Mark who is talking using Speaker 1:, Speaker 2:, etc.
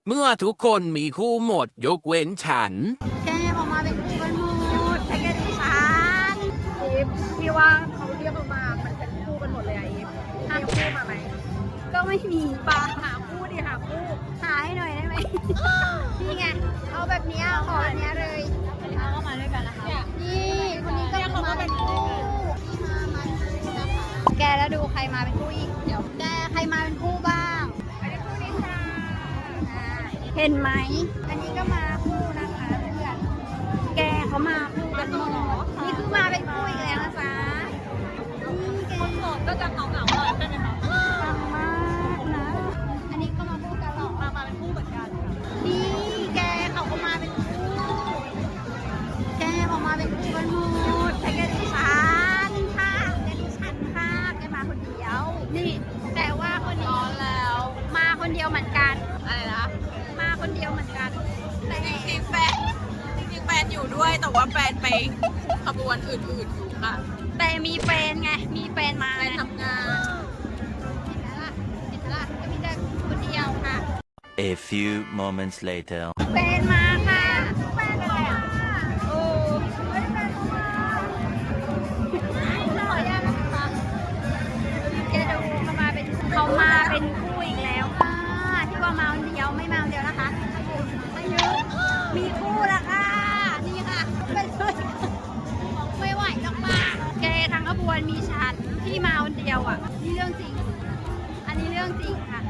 Speaker 1: เมื่อทุกคนมีคู่หมดยกเว้นฉัน
Speaker 2: แกออกมาเป็นคู่กันหมดแต่แกดูฉันอีฟพี่ว่าเขาเรียกออกมามันเป็นคู่กันหมดเลยอะอีฟมีคู่มาไหมก็ไม่มีป่ะหาคู่ดิหาคู่หาให้หน่อยได้ไหม นี่ไงเอาแบบเนี้ยขอแบบเนี้ยเลยอันนี้เขาก็มาด้วยกันนะคะนี่คนนี้ก็มาเป็นคู่มาคู่นะคะแกแล้วดูใครมาเป็นคู่อีกเดี๋ยวแกใครมาเป็นคู่บ้างอันนี้คู่นี้ค่ะเห็นไหมอันนี้ก็มาคู่นะคะเพื่อนแกเขามาคู่กันหมดนี่คือมาเป็นคู่อีกแล้วนะจ๊ะนี่แกคนโสดก็จะเหงาๆหน่อยใช่ไหมคะฟังมากนะอันนี้ก็มาคู่กันหรอมาเป็นคู่เหมือนกันนี่แกเขาก็มาเป็นคู่แกออกมาเป็นคู่กันหมดแต่แกดูฉันค่ะแกดูฉันค่ะแกมาคนเดียวนี่แต่ว่าคนนี้แล้วมาคนเดียวเหมือนกันอะไรนะมาคนเดียวเหมือนกันแต่จริงๆแฟนอยู่ด้วยแต่ว่าแฟนไปขบวนอื่นๆอยู่ค่ะแต่มีแฟนไงมีแฟนมาทำงานเห็นไหมล่ะก็มีแต่คนเดียวค่ะ
Speaker 3: A few moments later.
Speaker 2: แฟนมาค่ะแฟนอะไรอ่ะโอ้ไม่ได้แฟนมาขออนุญาตนะคะแกดูเขามาเป็นคู่อีกแล้วค่ะที่ว่ามาคนเดียวไม่มาคนเดียวนะคะไม่เยอะมีคู่แล้วค่ะนี่ค่ะเป็นเลยไม่ไหวหรอกป้าแกทั้งขบวนมีฉันที่มาคนเดียวอ่ะนี่เรื่องจริงอันนี้เรื่องจริงค่ะ